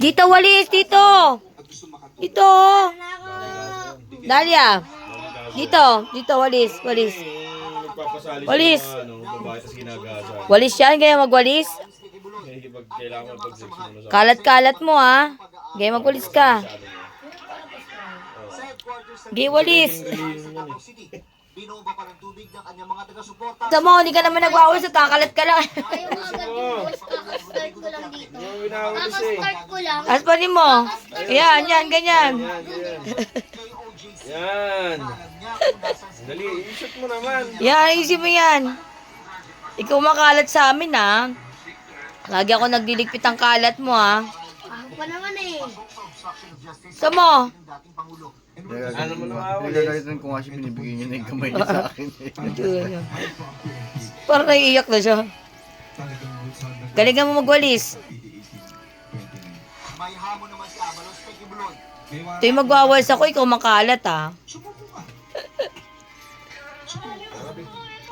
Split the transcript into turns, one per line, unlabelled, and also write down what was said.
Dito, walis, dito. Dito. Dalia. Dito, walis, walis.
Nagpapasali
Walis.
sa mga babae tapos ginagasa.
Walis yan, kaya magwalis.
Kailangan mag-sex muna sa
Kalat-kalat mo, ha. Kaya magwalis ka. Gay walis.
Binuba pa ng tubig ng kanyang mga taga-suporta.
Tama, hindi ka naman nagwawalis at kakalat ka lang.
Ayaw mo agad bubuhos, kaka-start ko lang dito.
Winawalis eh.
Kaka-start ko lang.
Aspanin mo. Yan, yan, ganyan.
Yan. Dali, i-shoot mo naman.
Yan, isip mo yan. Ikaw makalat sa amin, ha. Lagi ako nagdiligpit ang kalat mo, ha.
Ako pa naman eh.
Tama.
Ano mo nawawalis?
Nagagalitan ko nga siya, binibigay niya na yung kamay niya sa akin.
Parang naiiyak na siya. Galingan mo magwalis.
May hamon naman si Avalos kay Kibuloy.
Ito yung magwawalis ako, ikaw makalat, ha.